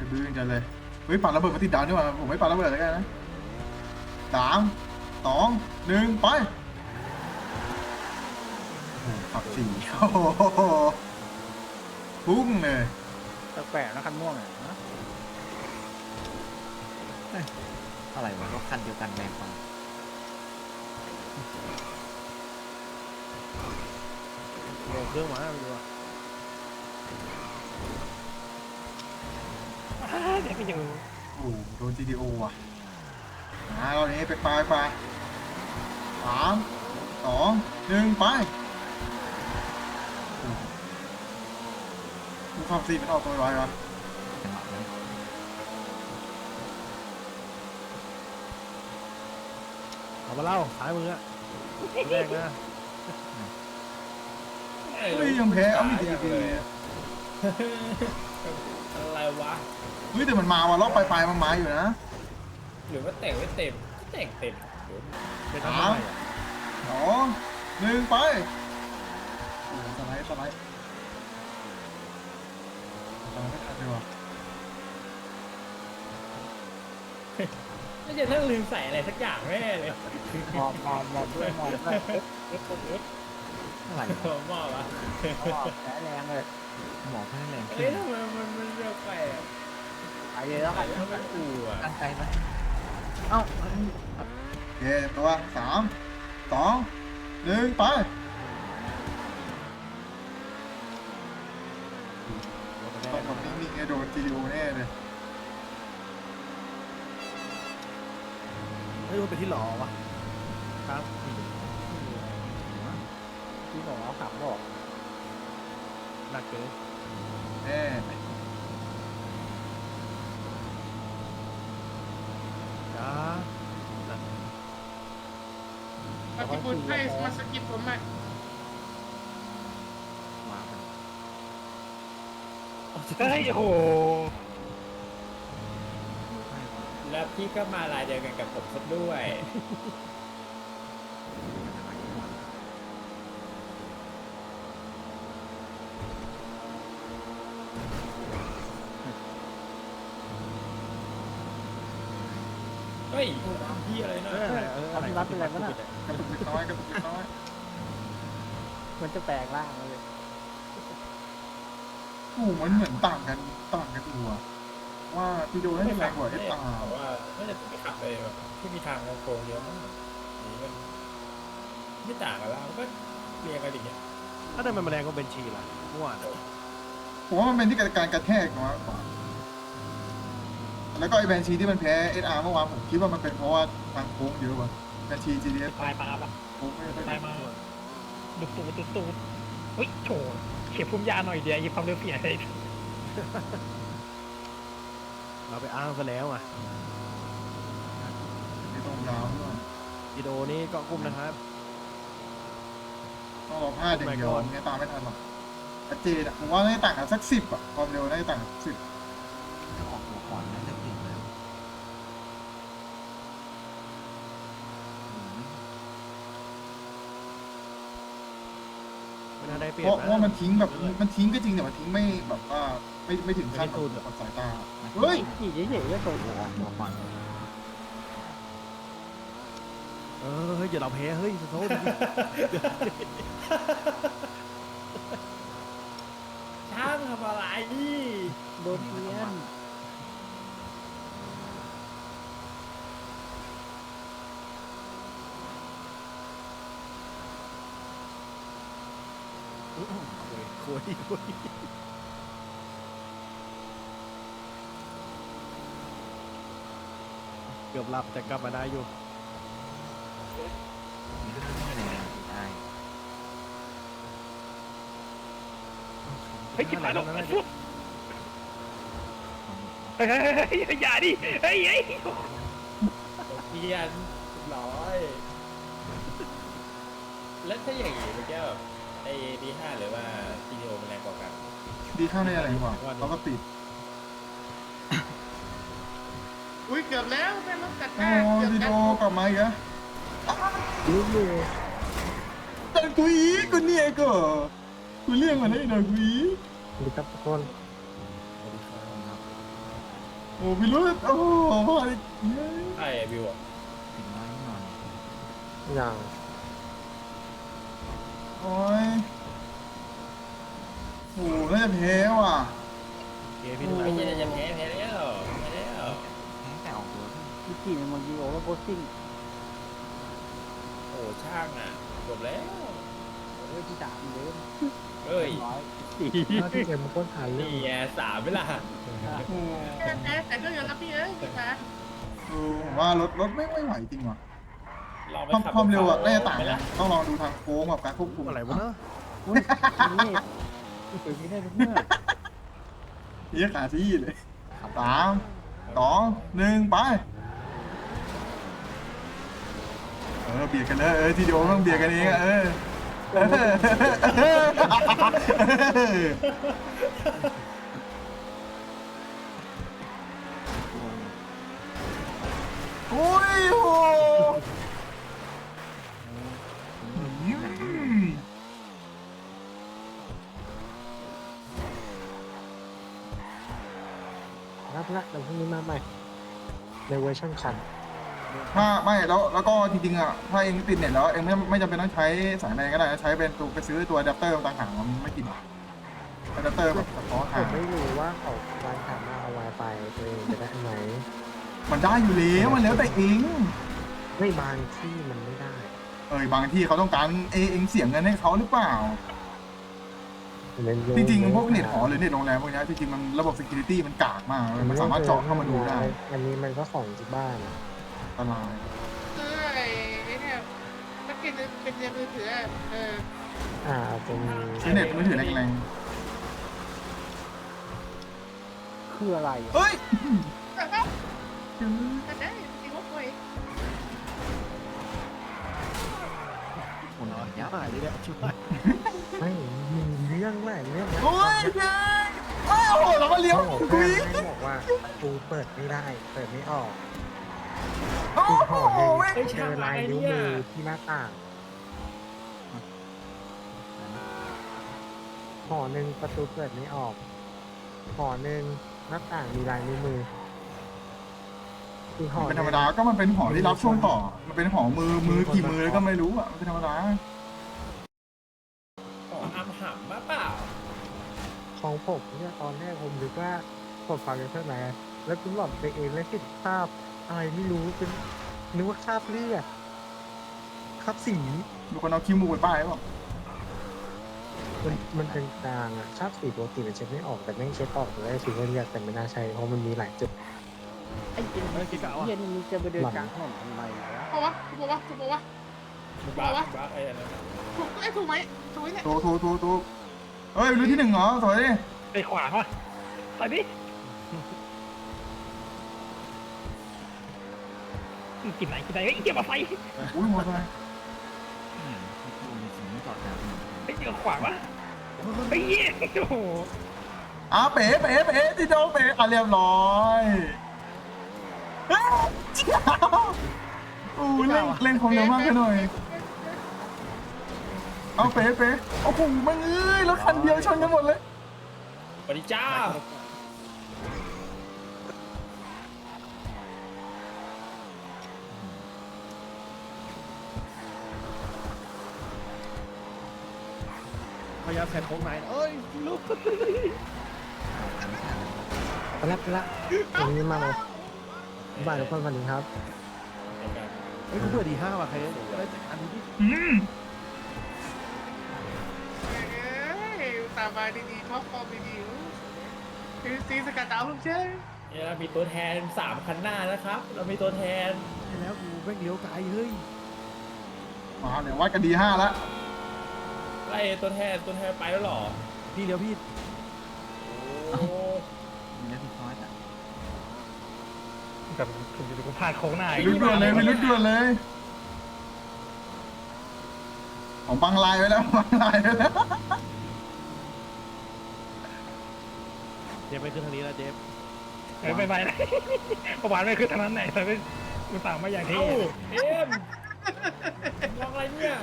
จะดื้อกันเลยเฮ้ยปาระเบิดมาติดดาวนี่หว่าผมไม่ปาระเบิดแล้วกันนะ3 2 1ไปโอ้โหขับ4โอ้โหพุ่งเลยแปลกๆนะคันม่วงอ่ะนะอะไรวะรถคันเดียวกันแรงกว่าโหลดเครื่องมาไปดูอ่ะเดี๋ยวก็ยังโอ้โหโดน GTO ว่ะเรานี้ไป3 2 1ไปดูความซีมันออกตัวร้อยวะจังหวะนั้นเอามาเล่าสายมืออ่ะแรกนะเฮ้ยยังแพ้เอาไม่ดีเลยอะไรวะเฮ้ยแต่มันมาว่ะรอบปลายๆมันมาอยู่นะหรือว่าแต่งไม่เต็มก็แต่งเต็มเดี๋ยวเป็นทำอะไรอ่ะ 2 1ไปโอ้โหสไลด์ไม่ทันเลยว่ะน่าจะต้องลืมใส่อะไรสักอย่างแน่เลยมอบด้วยมอบด้วยอะไรผมบอกว่าแรงแรงเลยหมอเพิ่งแรงเอ้ขึ้ยนทำไมมันเร็วไปอ่ะไปเลยแล้วกันทำไมอู่อ่ะตั้งใจไหมเอ้าโอเคตัว3 2 1ไปต้องแบบนิ่งๆไงโดน GTO แน่เลยไม่รู้เป็นที่หล่อวะครับที่หล่อขับบอกหนักเกินแน่จ้าปฏิบุญให้มาสกิปผมอ่ะมาเป็นเฮ้ยโอ้โหแล้วพี่ก็มาลายเดียวกันกับผมซะด้วย เฮ้ยพี่อะไรนะอะไรรับเป็นอะไรวะน่ะกระตุกเล็กน้อยกระตุกเล็กน้อยมันจะแปลกร่างเลยโอ้โหมันเหมือนต่างกันตัวว่า GTO น่าจะแรงกว่าแต่ SR ว่าน่าจะไปขับเลยแบบที่มีทางโค้งเยอะมากนี่มันไม่ต่างกันแล้วมันก็เรียงกันอย่างเงี้ยถ้าได้มันแรงก็เป็นชีล่ะเมื่อวานผมว่ามันเป็นที่การกระแทกน้อยกว่าแล้วก็ไอแบนชีที่มันแพ้ SR เมื่อวานผมคิดว่ามันเป็นเพราะว่าทางโค้งเยอะกว่าแบนชี GTS ปลายปลาปะโค้งไม่ได้ปลายมาดุตูดเฮ้ยโฉเขียบพุ่มยาหน่อยเดียวยิบความเร็วเปลี่ยนเลยเราไปอ้างซะแล้วอ่ะไม่ตรงยาวด้วยวิดีโอนี้ก็กุ้มนะครับต้องรอพลาดอย่างเดียวเนี่ยตามไม่ทันหรอกชัดเจนอะผมว่าน่าจะต่างกันสัก10อะความเร็วน่าจะต่างกัน10 ถ้าออกหัวก่อนน่าจะเก่งแล้วไม่น่าได้เปรียเพบราะนะว่ามันทิ้งแบบมันทิ้งก็จริงแต่มันทิ้งไม่แบบว่าไม่ถึงขั้นกับสายตาเฮ้ยขี่เฉยๆก็ตกหัวหัวก่อนเฮ้ยอย่าเราแพ้เฮ้ยโทษช่างทำอะไรโดนเพี้ยนคุยเกือบหลับแต่กลับมาได้อยู่ไม่แรงได้เฮ้ยจิบหายลงนั่นเฮ้น่าย จะอย่าดิเฮ้ยเพียนร้อย แล้วถ้าอย่างนี้มันจะแบบไอ้D5 หรือว่า GTO มันแรงกว่ากันดีข้างในอะไรกว่าเราก็ปิดอุ้ยเกือบแล้วแม่รถกัดหโอ้น้าเกือบดีกัโดดกลับมาอีกอะรู้อยู่แต่กูอีกกูเนี่ยก็กูเรียกมันได้หน่อยกูอีกสวัสดีครับทุกคนครับโอ้พี่รุ่นโอ้โหใช่บิวอะถึงน้อยนิดหน่อยอย่างโอ้ยโอ้น่าจะแพ้ว่ะไอ้เหี้ยจะแพ้แล้วแพ้แล้วแพ้แต่ออกตัวพี่พี่กี่ในเมืองยูโอแล้วโพสติ้งโอ้ช่างอ่ะจบแล้วที่ด่ามันเยอะเฮ้ยถ้าที่เอ็มมันก็ถ่ายเรื่อนี่งไงสามเวลาโอ้แต่ก็ยังรับพี่เอ้ยพี่ฟ้าผมว่ารถไม่ไหวจริงว่ะลองไปความขับความเร็วอะน่าจะต่างไหมนะล่ะต้องลองดูทางโค้งกับการควบคุมอะไรวะเนอะอุ้ยนี่เปิดไม่ได้ทุกเมื่อเฮียขาที่เลย3 2 1ไปเบียดกันเลยทีเดียวต้องเบียดกันเองอะโอ้ยโหรับละเดี๋ยวพรุ่งนี้มาใหม่ในเวอร์ชันคันถ้าไม่แล้วก็จริงๆอ่ะถ้าเองติดเน็ตแล้วเองไม่จำเป็นต้องใช้สายแมนก็ได้นะใช้เป็นตัวไปซื้อตัวอะแดปเตอร์ต่างหากมันไม่กินอะแดปเตอร์แบบเฉพาะผทางมไม่รู้ว่าเขาวันถามมาเอา Wi-Fi ตัวเองจะได้ไหมมันได้อยู่แล้วมันแล้วแต่เองไม่บางที่มันไม่ได้บางที่เขาต้องการเองเสียเงินให้เขาหรือเปล่า จริงๆพวกเน็ตหอหรือเน็ตโรงแรมพวกนี้จริงๆมันระบบ security มันกากมากมันสามารถเจาะเข้ามาดูได้อันนี้มันก็ของที่บ้านอันตรายคือไอ้เนี่ยถ้าเป็นในมือถือจะมีใช้เน็ตมือถือแรงคืออะไรๆเฮ้ยแต่ได้จริงว่าป่วยคนอ่อนยับเลยเนี่ยช่วยไม่มีเรื่องแหละเรื่องโอ้ยโอ้โหเรามาเลี้ยวคุคุยยไม่บอกว่าประตูเปิดไม่ได้ เปิดไม่ออกโอ้อีกโหห่อหเว้นึ่ยงเจอลายนิ้วมือที่หน้าต่างห่อหนึ่งประตูเปิดไม่ออกห่อหนึ่งหน้าต่างมีลายนิ้วมืออีกห่อเป็นธรรมดาก็มันเป็นหอที่รับช่วงต่อ มันเป็นหอมือกี่มือก็ไม่รู้อ่ะมันเป็นธรรมดาของอัมหับมาเปล่าของผมเนี่ยตอนแรกผมนึกว่าผมฟังกันเท่าไหร่แล้วคุณหลอดไปเองแล้วเห็นภาพอะไรไม่รู้เป็นนึกว่าคราบเลือดคราบสีมีคนเอาคิ้วมูไปป้ายเปล่ามันเป็นกลางอะคราบสีปกติมันเช็ดไม่ออกแต่ไม่เช็ดออกเลยถือว่าเลือดแต่ไม่น่าใช่เพราะมันมีหลายจุดไอ้เย็นมึงจะไปเดินกลางถนนทำไมวะเพราะว่าถูกปะบักไอ้อันนั้นถูกไหมถูกเนี่ยถูกเฮ้ยรุ่นที่1เหรอถอยดิไปขวางวะไปดิกินไหนเฮ้ยเกี่ยวกับไฟอุ้ยมอเตอร์ไซค์พี่ตูนในสิ่งที่จอดแล้วเฮ้ยเกี่ยวกับขวางวะไปเยี่ยโอ้โหเป๋ที่โดเป๋เรียบร้อยเล่นความเร็วมากไปหน่อยเอาเป๋โอ้โหมันรถคันเดียวชนกันหมดเลยปฏิจ้าพยายามแทนโค้งไหนเอ้ยลุกไปละวันนี้มาเลยบ่ายทุกคนวันนี้ครับเฮ้ยกูเบื่อดี5ว่ะใครได้อันนี้ดิตามมาดีๆท็อปฟอร์มดีๆคือซีสกัดดาวลูกเชื่อเนี่ยเรามีตัวแทน3คันหน้านะครับ เรามีตัวแทนแล้วกูแม่งเลี้ยวไกลเฮ้ยมาเดี๋ยววัดกันD5แล้วไล่ตัวแทนไปแล้วหรอพี่เลี้ยวพี่โอ้มีแล้วพี่คอสอ่ะแบบกูพลาดโค้งหน้าไปรุ่นด่วนเลยของบังลายไว้แล้วเจฟไปขึ้นทางนี้แล้วเจฟไปนะประมาณไม่คือทางนั้นไหนแต่ไม่กูสั่งมาอย่างที่เอ้าเอ็มมองอะไรเนี่ย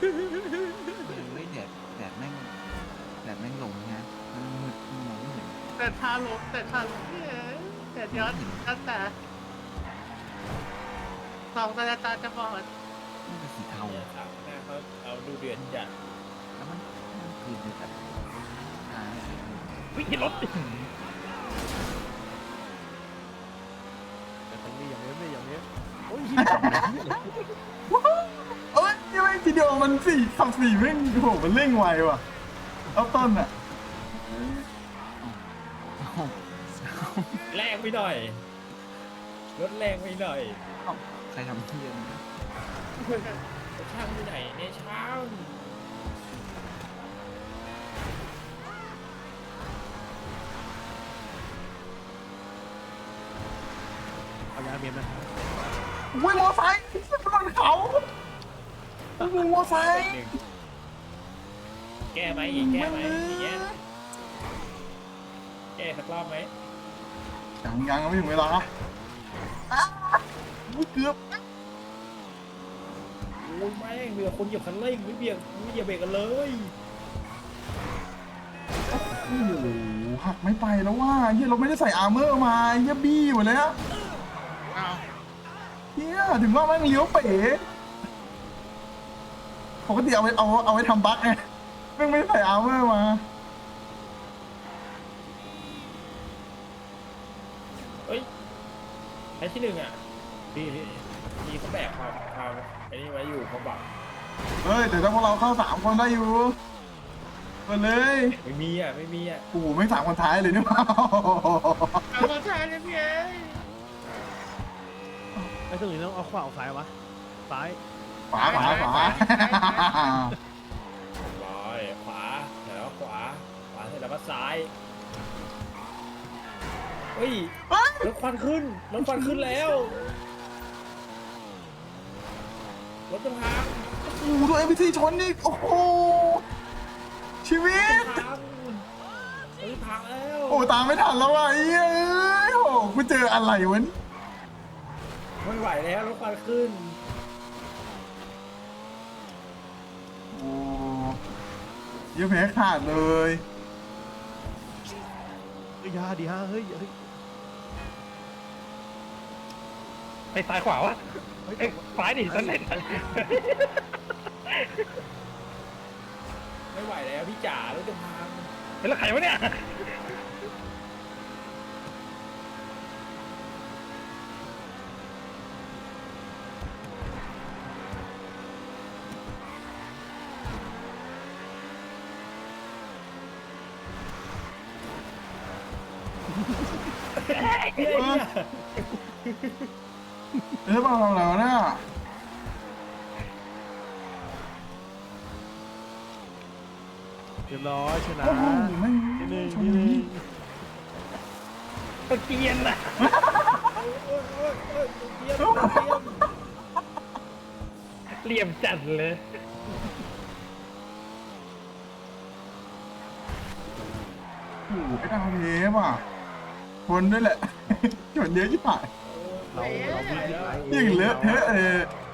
เฮ้ยแดดแม่งลงนะมันมืดมองไม่เห็นแต่ทาลงเนี่ยแต่ย้อนตั้งแต่สองตาจะบอดมันเป็นสีเทาเนี่ยครับหน้าเขาเอาดูเดือดจัดแล้วมันคืนเดียวกันอ่าวิ่งรถแต่เป็นนี่อย่างนี้ไม่อย่างนี้โอ้ยเอ้ยยังไม่ทีเดียวมันขับ 4แม่งโหมันเร่งไวว่ะเอาต้นอ่ะแรงไปหน่อยรถแรงไปหน่อยใครทำเที่ยนช่างที่ไหนเนี่ยช่างเอายาเมียนนะอุ้ยมอไซค์บนเขาโอ้โหมอไซค์แก้ไหมอีกแก้ไหมอย่างเงี้ยแก้สักรอบไหมยังไม่ถึงเวลาอ้าวอุ๊ยเกือบโอ้ยแม่งเรือคนเหยียบคันเร่งไม่เหยียบเบรกกันเลยโอ้โหหักไม่ไปแล้วว่าเฮียเราไม่ได้ใส่อาร์เมอร์มาเฮียบี้หมดเลยอะอ้าวเฮียถึงว่าแม่งเลี้ยวเป๋ปกติเอาไว้ทำบั๊กไงแม่งไม่ได้ใส่อาร์เมอร์มาเฮ้ยไอ้ที่1อ่ะพี่เขาแบกความไอ้นี่ไว้อยู่เขาบักเฮ้ยแต่ถ้าพวกเราเข้า3 คนได้อยู่มาเลยไม่มีอ่ะโอ้โหไม่3 คนท้ายเลยนี่หว่าเอามาทานเลยพี่เอ้ยไอ้ตรงนี้ต้องเอาขวาเอาซ้ายวะซ้ายขวาร้อยขวาเดี๋ยวขวาเสร็จแล้วก็ซ้ายเฮ้ยรถควันขึ้นแล้วรถจะพังโอ้โหตัว NPC ชนนี่โอ้โหชีวิตพังแล้วโอ้ตามไม่ทันแล้วอ่ะไอ้เอ้ยโอ้กูเจออะไรวะไม่ไหวแล้วรถควันขึ้นโอ้ยงแพ้ขาดเลยยาดีฮะเฮ้ยไปซ้ายขวาวะเอ้ยซ้ายดิซ้ายไหนไม่ไหวแล้วพี่จ๋ารถจะพังเป็นแล้วใครวะเนี่ยมาทำอะไรวะเนี่ยเรียบร้อยชนะโอ้โหแม่งที่หนึ่งชนที่หนึ่นี้งตะเกียนน่ะเหลี่ยมจัดเลยโอ้โหไอ้ดาวเทปอ่ะชนด้วยแหละ ชนเยอะชิบหายเราวิ่งที่ไหนยิ่งเลอะเทอะเลย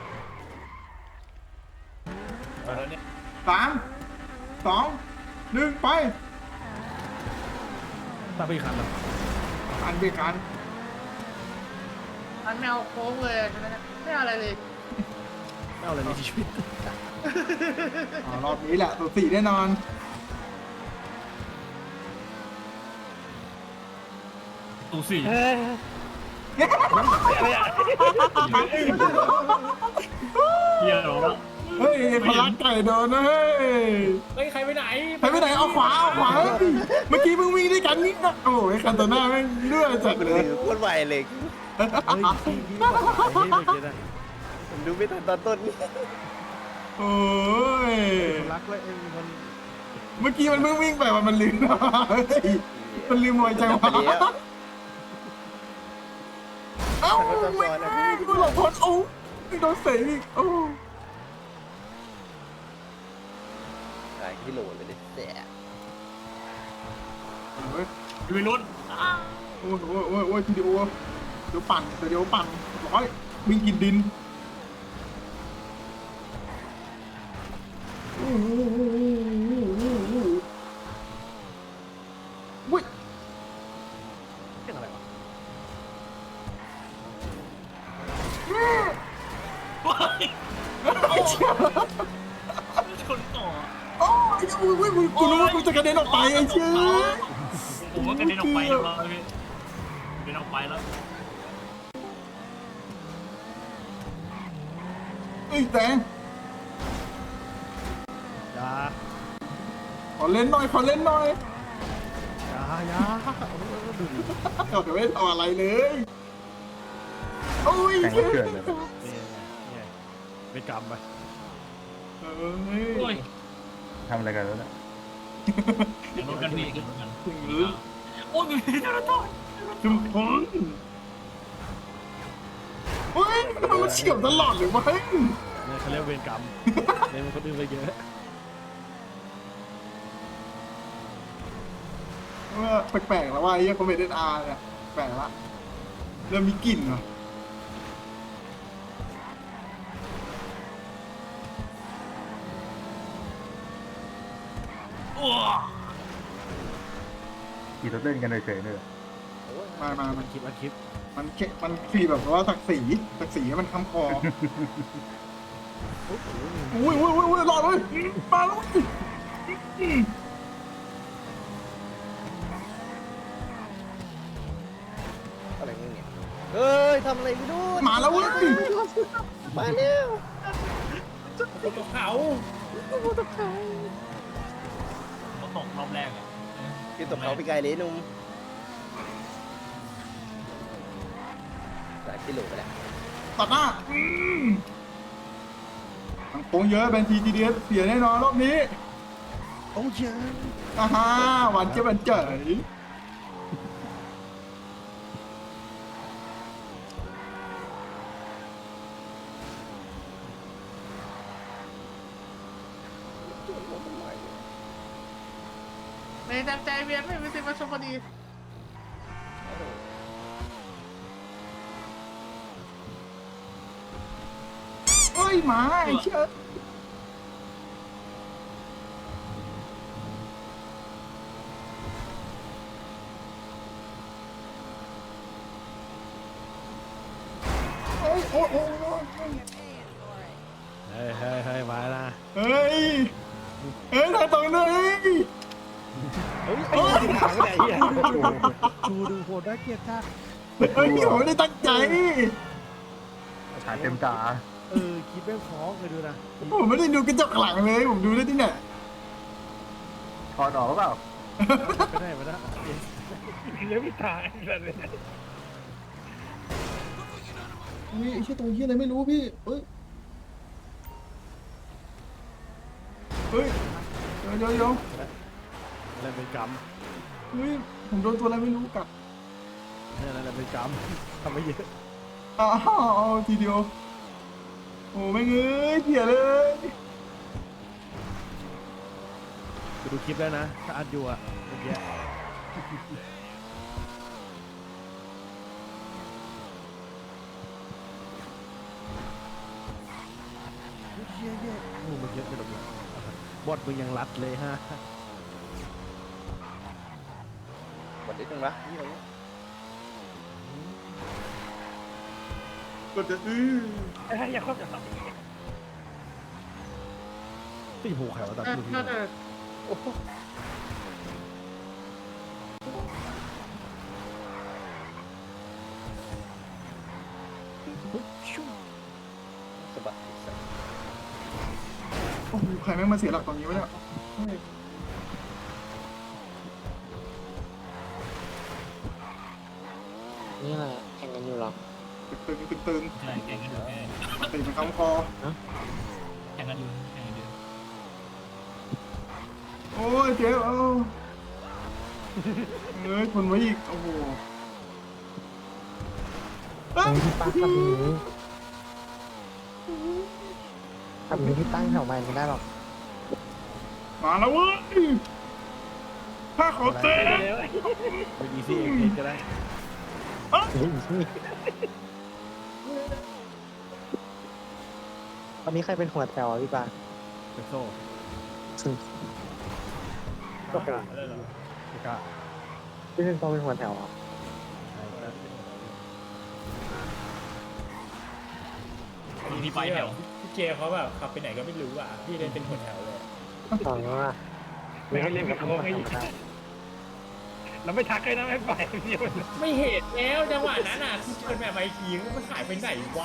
แล้วเนี่ย 3 2 1 ไปตามไปอีกคันแล้วอันเบรกกันอันไม่เอาโค้งเลยใช่ไหมเนี่ยไม่เอาอะไรเลยไม่เอาอะไรในชีวิตรอบนี้แหละตัว4แน่นอนตูสี่เฮ้ยอะไรอะเฮียเราแล้วเฮ้ยพลังไก่โดนนะเฮ้ยเฮ้ยใครไปไหนไปไหนเอาขวาเฮ้ยเมื่อกี้มึงวิ่งด้วยกันนี่นะโอ้ยคันโตน่าแม่งเลือดจัดเลยโคตรไวเลยเฮ้ยพี่บอกไอ้นี่เมื่อกี้นะผมดูไม่ทันตอนต้นนี่โอ้ยรักเลยไอ้มันเมื่อกี้มันเพิ่งวิ่งไปมันลืมเฮ้ยมันลืมมวยจังหวะเอ้าไม่กูหลบพ้นโอ้ยโดนเสยอีกโอ้หลายกิโลเลยเนี่ยแสบยอยู่ในรถโอ้ยทีเดียวเดี๋ยวปั่นร้อยวิ่งกินดินอุ้ยกูรู้ว่ากูจะกระเด็นออกไปไอ้เชี่ยผมว่ากระเด็นออกไปแล้วพี่กระเด็นออกไปแล้วเอ้ยแตงอย่าขอเล่นหน่อยขอเล่นหน่อยอย่าเราจะไม่ทำอะไรเลยโอ้ยเชี่ยเนี่ยไปกรรมไปเอ้ยทำอะไรกันแล้วเนี่ยรถกันพี่กันรถกันถึงหรือโอ้ยมีจราจรจุ๊บพงเฮ้ยมันเฉียบตลอดเลยวะเนี่ยเขาเรียกเวรกรรมเนี่ยมันคนอื่นไปเยอะว่าแปลกๆแล้วว่าไอ้เหี้ยคอมเมดี้อาร์เนี่ยแปลกละเริ่มมีกลิ่นเหรอขี่รถเล่นกันเฉยๆเนี่ยมามันคลิปมันสีแบบว่าศักดิ์ศรีให้มันค้ำคออุ้ยรอดเลยมาแล้วอะไรเนี่ยเอ้ยทำอะไรไม่รู้มาแล้วเว้ยมาแล้วกูตกเขาเขาตกรอบแรกอ่ะคือตกเขาไปไกลเลยนุ่ม3 กิโลไปแล้วตัดหน้าทางโค้งเยอะแบนทีจีดีเอสเสียแน่นอนรอบนี้โอ้ยอ่าฮะหวานเจี๊ยบหวานเจ๋ยไม่จำใจเวียนไม่ติดมาชมพอดีเอ้ยหมาไอ้เชี่ยโอ้ยเฮ้ยมานะเฮ้ยถ่ายตรงเลยเฮ้ยไอ้หางไหนอ่ะชูดูโหดน่าเกลียดจ้าเฮ้ยผมไม่ได้ตั้งใจถ่ายเต็มตาคลิปแม่งฟ้องเลยดูนะผมไม่ได้ดูกระจกหลังเลยผมดูได้ที่ไหนถอดออกหรือเปล่าไม่ได้ไม่ได้เลี้ยวไม่ตายเลยอุ้ยไอ้เชี่ยตัวเชี่ยอะไรไม่รู้พี่เฮ้ยเดี๋ยวอะไรเป็นกรรมเฮ้ยผมโดนตัวอะไรไม่รู้กัดเนี่ยอะไรเป็นกรรมทำไม่เยอะอ้าวทีเดียวโอ้ไม่เงยเสียเลยไปดูคลิปได้นะถ้าอัดอยู่อ่ะเมื่อกี้เยอะโอ้มันเยอะไปหมดเลยบอดมึงยังรัดเลยฮะหมดนิดนึงนะนี่ตรงนี้กดจะอย่าครอบอย่าครอบตีหูแขวตัดดูพี่น่าจะสะบัดอีกสักโอ้ยใครแม่งมาเสียหลักตรงนี้วะเนี่ยนี่แหละแข่งกันอยู่หรอตึงใช่แข่งกันอยู่ตีมันค้ำคอแข่งกันอยู่แข่งกันอยู่โอ้ยเจ๊เอ้าเอ้ยทนไว้อีกโอ้โหพี่ตั้งขับนี้พี่ตั้งแถวใหม่ไม่ได้หรอกมาแล้วเว้ยถ้าขอเต้เป็นอีซี่เองก็ได้ตอนนี้ใครเป็นหัวแถวพี่ปาเป็นโซ่ก็เป็นอะไรเหรอไม่กล้าพี่เป็นตัวเป็นหัวแถวอ่ะพี่ไปแถวพี่เจเขาแบบขับไปไหนก็ไม่รู้อ่ะพี่เล่นเป็นหัวแถวเลยสองว่าไม่ให้เล่นกับโค้งไอ้เราไม่ทักเลยนะไม่ปล่อยเดียวไม่เห็นแล้วจังหวะนั้นอ่ะที่เป็นแบบไอ้ขี่มันหายไปไหนวะ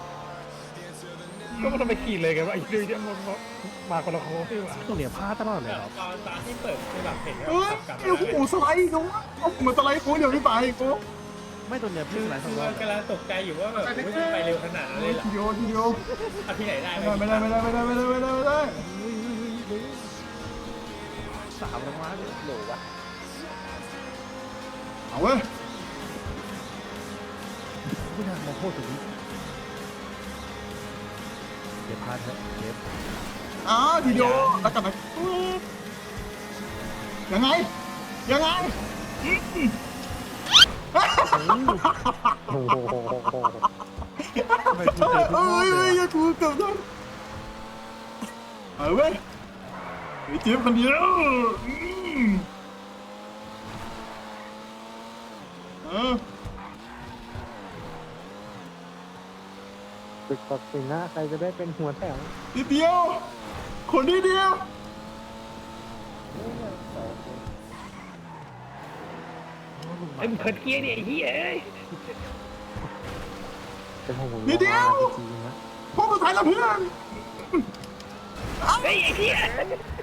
ก็ไม่ต้องไปขี่เลยกันว่าไอ้ดื้อเนี่ยมันมาคนละโค้งที่ว่าตรงเนี้ยพลาดตลอดเลยแบบครับตอนที่เปิดคือแบบเห็นว่าเฮ้ยกลับเดี๋ยวมากูสไลด์กูเอาเหมือนสไลด์กูเดี๋ยวไม่ไปกูไม่ตรงเนี้ยพี่สไลด์สคือองรอบกำลังตกใจอยู่ว่าแบบไม่ไปเร็วขนาดนั้นเลยเหรอทีเดียวทีเดียวเอาที่ไหนได้ไม่ได้ไม่ได้ไม่ได้ไม่ได้ไม่ได้ไม่ได้สามรางวัลหนูวะเอาเว้ยไม่น่ามาพูดถึงนี้เดี๋ยวพลาดเถอะเดี๋ยวทีเดียวแล้วกันนะยังไงยังไงโอ้โหทำไมพูดถึงทุกรอบเอ้เลยอย่าถูกกับท่านเอาเว้ยไอ้จิ๊บคนเดียวเออตึกตัดสินนะใครจะได้เป็นหัวแถวนิดเดียวคนนิดเดียวไอ้มึงเขินเกี้ยเนี่ยไอ้เหี้ยเป็นของผมนิดเดียวจริงๆนะพวกสุดท้ายแล้วเพื่อนเฮ้ยไอ้เหี้ย